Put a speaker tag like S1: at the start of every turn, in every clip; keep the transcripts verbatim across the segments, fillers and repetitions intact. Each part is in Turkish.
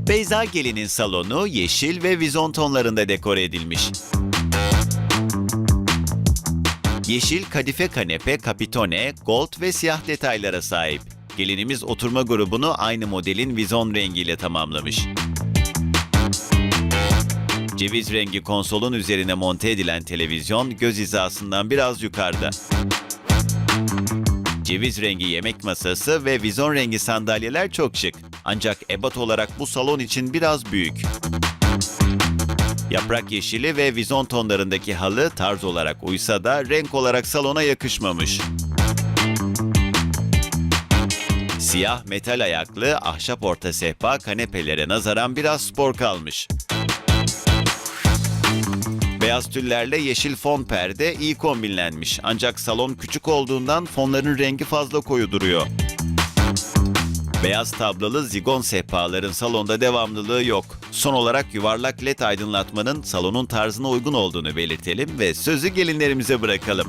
S1: Beyza Gelin'in salonu yeşil ve vizon tonlarında dekore edilmiş. Yeşil kadife kanepe, kapitone, gold ve siyah detaylara sahip. Gelinimiz oturma grubunu aynı modelin vizon rengiyle tamamlamış. Ceviz rengi konsolun üzerine monte edilen televizyon göz hizasından biraz yukarıda. Ceviz rengi yemek masası ve vizon rengi sandalyeler çok şık. Ancak ebat olarak bu salon için biraz büyük. Yaprak yeşili ve vizon tonlarındaki halı tarz olarak uysa da renk olarak salona yakışmamış. Siyah metal ayaklı ahşap orta sehpa kanepelere nazaran biraz spor kalmış. Beyaz tüllerle yeşil fon perde iyi kombinlenmiş. Ancak salon küçük olduğundan fonların rengi fazla koyu duruyor. Beyaz tablalı zigon sehpaların salonda devamlılığı yok. Son olarak yuvarlak led aydınlatmanın salonun tarzına uygun olduğunu belirtelim ve sözü gelinlerimize bırakalım.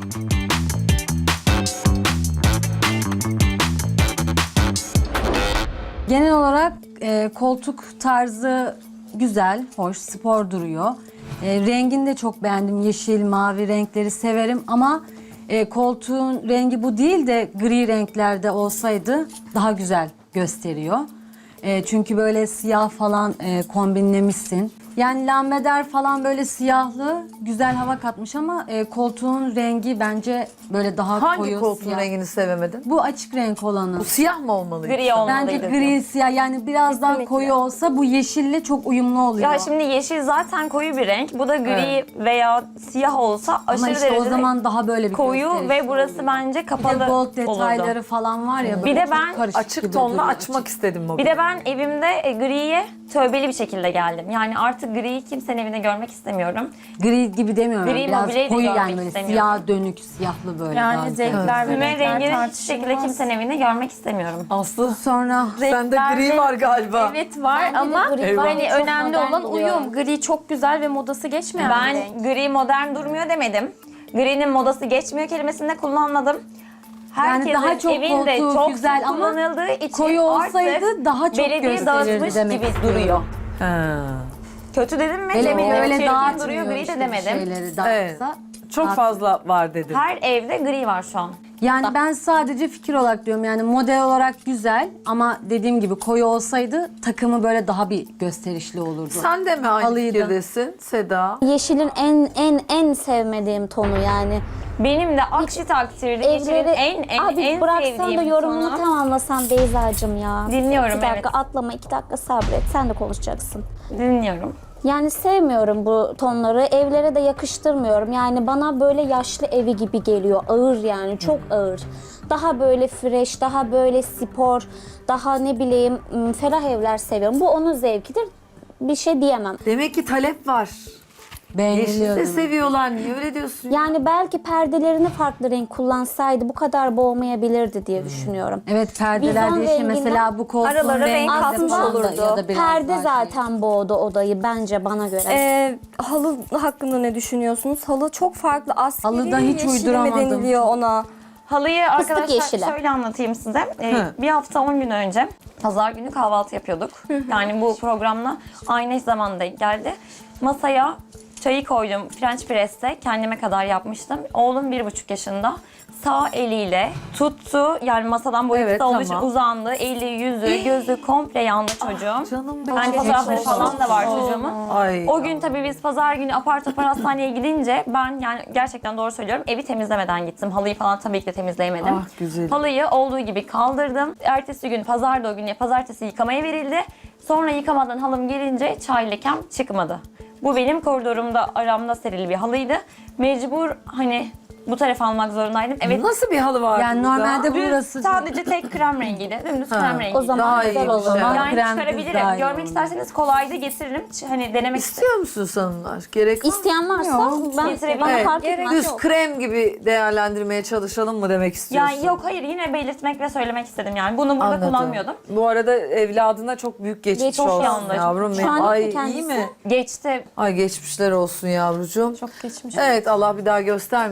S2: Genel olarak e, koltuk tarzı güzel, hoş, spor duruyor. E, rengini de çok beğendim. Yeşil, mavi renkleri severim ama e, koltuğun rengi bu değil de gri renklerde olsaydı daha güzel gösteriyor. E, çünkü böyle siyah falan e, kombinlemişsin. Yani lambeder falan böyle siyahlı, güzel hava katmış ama e, koltuğun rengi bence böyle daha
S3: Hangi
S2: koyu
S3: koltuğun
S2: siyah.
S3: rengini sevemedin?
S2: Bu açık renk olanı.
S3: Bu siyah mı olmalıydı?
S4: Gri olmalıydı.
S2: Bence gri siyah yani biraz daha
S4: Kesinlikle.
S2: koyu olsa bu yeşille çok uyumlu oluyor.
S4: Ya şimdi yeşil zaten koyu bir renk. Bu da gri
S3: Evet.
S4: veya siyah olsa aşırı
S2: ama işte
S4: derecede
S2: o zaman daha böyle bir
S4: koyu
S2: gösterişli
S4: ve burası
S2: oluyor.
S4: bence
S2: bir
S4: kapalı
S2: de gold detayları
S4: olurdu.
S2: falan var ya.
S4: Bir
S2: böyle
S4: de
S2: çok
S4: ben
S2: karışık
S3: Açık
S2: gibi
S3: tonla
S2: duruyor.
S3: açmak istedim
S4: Bir
S3: bugün.
S4: de ben evimde e, griye tövbeli bir şekilde geldim. Yani artık griyi kimsenin evinde görmek istemiyorum.
S2: Gri gibi demiyorum.
S4: Gri
S2: biraz
S4: mobilyayı da
S2: koyu
S4: görmek
S2: yani böyle
S4: istemiyorum.
S2: siyah dönük siyahlı böyle. daha
S5: Yani
S2: güzel.
S5: zevkler ve
S4: Füme
S5: renkler
S4: rengini hiçbir şekilde
S5: tartışılmaz.
S4: kimsenin evinde görmek istemiyorum.
S3: Aslı
S2: Sonra
S3: sende gri var galiba.
S5: Evet var
S6: Bende de
S5: ama
S6: gri var.
S5: hani
S6: Çok
S5: önemli
S6: modern
S5: olan
S6: duruyor.
S5: uyum. Gri çok güzel ve modası geçmeyen bir
S4: Ben
S5: renk.
S4: gri modern durmuyor demedim. Gri'nin modası geçmiyor kelimesini de kullanmadım.
S2: Yani
S4: Herkesin
S2: daha çok
S4: evinde
S2: koltuğu
S4: çok
S2: güzel
S4: sık
S2: ama
S4: kullanıldığı için
S2: koyu olsaydı
S4: artık
S2: daha çok
S4: belediye
S2: gösterirdi
S4: dağıtmış
S2: demek
S4: gibi
S2: istiyorum.
S4: duruyor.
S3: Ha.
S4: Kötü dedim mi?
S2: Hele
S4: Demiyorum.
S2: öyle
S4: Çirkin
S2: dağıtmıyor
S4: duruyor, gri
S2: işte
S4: de
S2: bir
S4: demedim.
S2: şeyleri dağıtsa.
S3: Evet. Çok
S2: dağıt-
S3: fazla var dedim.
S4: Her evde gri var şu an.
S2: Yani ben sadece fikir olarak diyorum yani model olarak güzel ama dediğim gibi koyu olsaydı takımı böyle daha bir gösterişli olurdu.
S3: Sen de mi aynı
S2: Halıyı da.
S3: fikirdesin Seda?
S6: Yeşilin en en en sevmediğim tonu yani.
S4: Benim de aksi takdirde yeşilin
S6: Evleri
S4: en en
S6: abi
S4: en
S6: bıraksan da
S4: sevdiğim
S6: yorumunu
S4: tonu.
S6: tamamlasan Beyza'cığım ya.
S4: Dinliyorum,
S6: İki dakika
S4: evet.
S6: atlama, iki dakika sabret. Sen de konuşacaksın.
S4: Dinliyorum.
S6: Yani sevmiyorum bu tonları. Evlere de yakıştırmıyorum. Yani bana böyle yaşlı evi gibi geliyor. Ağır yani çok ağır. Daha böyle fresh, daha böyle spor, daha ne bileyim ım, ferah evler seviyorum. Bu onun zevkidir. Bir şey diyemem.
S3: Demek ki talep var. Yeşil
S2: Beğeniliyor.
S3: de seviyorlar. Niye öyle diyorsun?
S6: Yani belki perdelerini farklı renk kullansaydı bu kadar boğmayabilirdi diye düşünüyorum.
S2: Evet perdeler
S6: Vizon
S2: değişiyor.
S6: renginden
S2: Mesela bu koltuğun
S4: aralara renk
S2: rengi
S4: katmış
S2: falan da
S4: olurdu.
S2: ya da biraz
S6: Perde
S2: daha şey.
S6: zaten boğdu odayı bence bana göre.
S5: Ee, halı hakkında ne düşünüyorsunuz? Halı çok farklı. Askeri
S2: Halıda hiç
S5: yeşili mi
S2: uyduramadım.
S5: deniliyor ona?
S4: Halıyı arkadaşlar
S6: yeşili.
S4: şöyle anlatayım size. Ee,
S3: Hı.
S4: bir hafta on gün önce pazar günü kahvaltı yapıyorduk. Yani bu programla aynı zamanda geldi. Masaya çayı koydum French press'te kendime kadar yapmıştım. Oğlum bir buçuk yaşında. Sağ eliyle tuttu. Yani masadan boyu
S3: Evet,
S4: kısa olduğu için
S3: tamam.
S4: uzandı. Eli, yüzü, gözü komple yandı çocuğum.
S3: Canım benim.
S4: Yani fotoğrafları falan da var çocuğumun.
S3: Ay.
S4: O gün tabii biz pazar günü apar topar hastaneye gidince ben yani gerçekten doğru söylüyorum evi temizlemeden gittim. Halıyı falan tabii ki de temizleyemedim.
S3: Ah, güzel.
S4: Halıyı olduğu gibi kaldırdım. Ertesi gün pazarda o gün ya pazartesi yıkamaya verildi. Sonra yıkamadan halım gelince çay lekem çıkmadı. Bu benim koridorumda aramda serili bir halıydı. Mecbur hani bu tarafa almak zorundaydım. Evet.
S3: Nasıl bir halı var
S2: Yani
S3: burada?
S2: normalde
S4: Düz,
S2: burası
S4: sadece tek krem rengiydi. Dümdüz
S3: Ha,
S4: krem rengiydi.
S6: O zaman
S3: Daha
S6: güzel
S3: iyi
S6: olur.
S3: işte.
S2: Ama
S4: yani
S2: krem düz
S4: çıkarabilirim.
S2: daha iyi
S4: Görmek
S2: olur.
S4: isterseniz kolay da getiririm. Ç- Hani denemek istedim.
S3: İstiyor musun sanırlar? Gerek var mı?
S6: İsteyen varsa ben
S4: Getirebilirim.
S6: bana
S3: Evet,
S6: fark etmez.
S3: düz krem gibi değerlendirmeye çalışalım mı demek istiyorsun?
S4: Yani yok hayır yine belirtmek ve söylemek istedim yani. Bunu burada
S3: Anladım.
S4: kullanmıyordum.
S3: Bu arada evladına çok büyük geçmiş
S6: Geçmiş
S3: olsun
S4: yandı.
S3: yavrum.
S6: Şu
S3: benim.
S6: an
S3: Ay
S6: iyi mi
S3: iyi
S6: kendisi?
S3: mi?
S4: Geçti.
S3: Ay geçmişler olsun yavrucuğum.
S5: Çok geçmiş.
S3: Evet Allah bir daha göstermesin.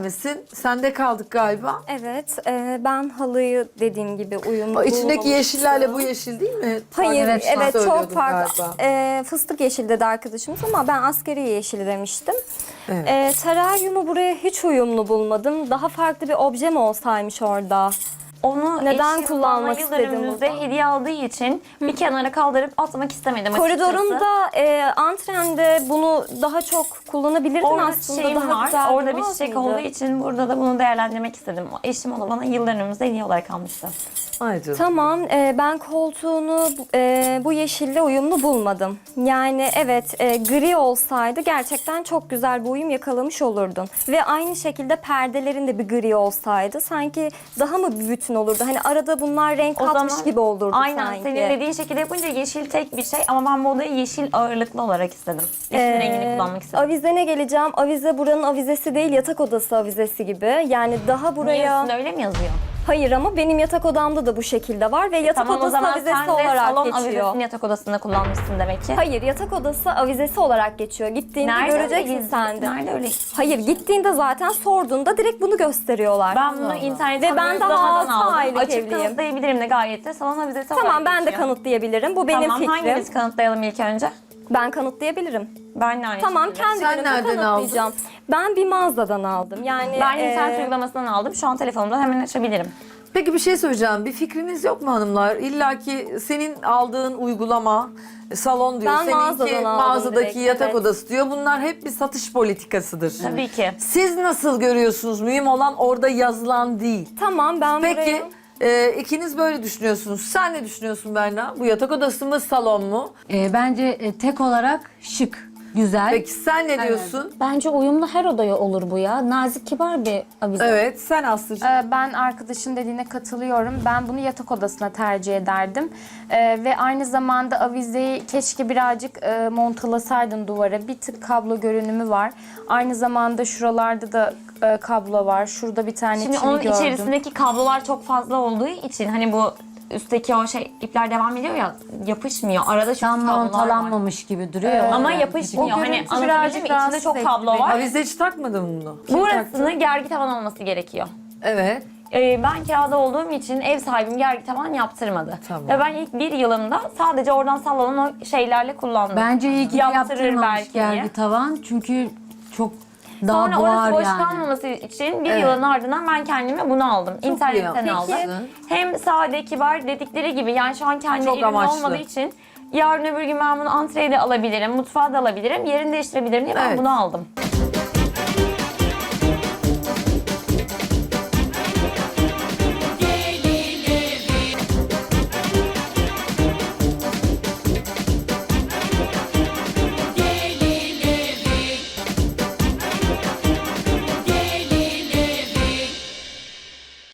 S3: sende kaldık galiba.
S5: Evet, e, ben halıyı dediğim gibi uyumlu
S3: O içindeki
S5: bulmamıştım.
S3: yeşillerle bu yeşil değil mi?
S5: Hayır,
S3: Farklı
S5: evet, çok
S3: söylüyordun
S5: farklı.
S3: galiba.
S5: E, fıstık yeşili dedi arkadaşımız ama ben askeri yeşili demiştim.
S3: Evet.
S5: E, teraryumu buraya hiç uyumlu bulmadım. Daha farklı bir obje mi olsaymış orada?
S4: Onu
S5: Neden
S4: eşim
S5: kullanmak
S4: bana
S5: istedim
S4: yıllarımızda
S5: burada?
S4: hediye aldığı için bir kenara kaldırıp atmak istemedim açıkçası.
S5: Koridorunda, e, antrende bunu daha çok kullanabilirdin
S4: Orada
S5: aslında.
S4: çiçeğim
S5: Daha
S4: var.
S5: güzel
S4: Orada bir
S5: durmaz
S4: çiçek
S5: mıydı?
S4: olduğu için burada da bunu değerlendirmek istedim. Eşim onu bana yıllarımızda hediye olarak almıştı.
S3: Ay canım.
S5: Tamam, e, ben koltuğunu e, bu yeşille uyumlu bulmadım. Yani evet, e, gri olsaydı gerçekten çok güzel bir uyum yakalamış olurdun. Ve aynı şekilde perdelerin de bir gri olsaydı sanki daha mı bir bütün olurdu? Hani arada bunlar renk
S4: O
S5: katmış
S4: zaman
S5: gibi olurdu
S4: aynen
S5: sanki.
S4: senin dediğin şekilde yapınca yeşil tek bir şey ama ben bu odayı yeşil ağırlıklı olarak istedim. Yeşil
S5: Ee,
S4: rengini kullanmak istedim.
S5: Avizene geleceğim. Avize buranın avizesi değil, yatak odası avizesi gibi. Yani daha
S4: Niye
S5: buraya...
S4: üstünde öyle mi yazıyor?
S5: Hayır ama benim yatak odamda da bu şekilde var ve yatak
S4: Tamam o
S5: odası
S4: zaman
S5: avizesi
S4: sen de
S5: olarak
S4: salon
S5: geçiyor.
S4: avizesini yatak odasında kullanmışsın demek ki.
S5: Hayır, yatak odası avizesi olarak geçiyor. Gittiğinde göreceksin
S4: öyle?
S5: sen de.
S4: Nerede öyle?
S5: Hayır, gittiğinde zaten sorduğunda direkt bunu gösteriyorlar.
S4: Ben bunu internetten
S5: Ve ben daha
S4: uygulamadan
S5: altı
S4: aldım.
S5: aylık
S4: Açıp
S5: evliyim.
S4: kanıtlayabilirim de gayet de salon avizesi
S5: Tamam,
S4: olarak
S5: ben de
S4: geçiyor.
S5: kanıtlayabilirim. Bu benim
S4: Tamam
S5: fikrim.
S4: hangimiz kanıtlayalım ilk önce?
S5: Ben kanıtlayabilirim.
S4: Ben de aynı
S5: Tamam,
S4: şekilde.
S5: kendi
S3: Sen
S5: günümde
S3: nereden
S5: kanıtlayacağım. Ben bir mağazadan aldım. Yani
S4: Ben
S5: e,
S4: internet uygulamasından aldım. Şu an telefonumdan hemen açabilirim.
S3: Peki bir şey söyleyeceğim. Bir fikriniz yok mu hanımlar? İlla ki senin aldığın uygulama salon diyor.
S5: Ben mağazadan
S3: Seninki
S5: aldım
S3: mağazadaki
S5: direkt,
S3: yatak
S5: evet.
S3: odası diyor. Bunlar hep bir satış politikasıdır.
S4: Tabii ki.
S3: Siz nasıl görüyorsunuz? Mühim olan orada yazılan değil.
S5: tamam ben
S3: Peki
S5: buraya...
S3: e, ikiniz böyle düşünüyorsunuz. Sen ne düşünüyorsun Berna? Bu yatak odası mı salon mu?
S2: E, bence e, tek olarak şık, güzel.
S3: Peki sen ne diyorsun?
S6: Bence uyumlu her odaya olur bu ya. Nazik, kibar bir avize.
S3: Evet sen Aslı'cığım.
S7: Ee, Ben arkadaşın dediğine katılıyorum. Ben bunu yatak odasına tercih ederdim. Ee, ve aynı zamanda avizeyi keşke birazcık e, montalasaydın duvara. Bir tık kablo görünümü var. Aynı zamanda şuralarda da e, kablo var. Şurada bir tane
S4: Şimdi
S7: çivi
S4: onun
S7: gördüm.
S4: içerisindeki kablolar çok fazla olduğu için hani bu üstteki o şey ipler devam ediyor ya yapışmıyor. Arada çünkü
S2: Tam
S4: kablolar var.
S2: montalanmamış gibi duruyor.
S4: Ama
S2: Yani.
S4: yapışmıyor.
S7: O
S4: Hani
S7: görüntü
S4: anlatabildim
S7: birazcık
S4: mi? İçinde
S7: rahatsız
S4: çok
S7: etti
S4: kablo
S7: beni.
S4: var.
S3: Avize hiç takmadın mı bunu? Kim taktı?
S4: Burasını gergi tavan olması gerekiyor.
S3: Evet.
S4: Ee, ben kirada olduğum için ev sahibim gergi tavan yaptırmadı.
S3: Tamam.
S4: Ve ben ilk bir yılımda sadece oradan sallanan o şeylerle kullandım.
S2: Bence iyi ki de
S4: Yaptırır
S2: yaptırmamış
S4: belki diye.
S2: gergi tavan. Çünkü çok daha
S4: Sonra
S2: boğar
S4: orası boş
S2: yani.
S4: kalmaması için bir
S3: Evet.
S4: yılın ardından ben kendime bunu aldım.
S3: iyi
S4: İnternetten
S3: yapmışsın.
S4: aldım. Hem sade kibar dedikleri gibi yani şu an kendi
S3: Çok
S4: evimde
S3: amaçlı.
S4: olmadığı için yarın öbür gün ben bunu antreyle alabilirim, mutfağa da alabilirim, yerini değiştirebilirim diye ben
S3: Evet.
S4: bunu aldım.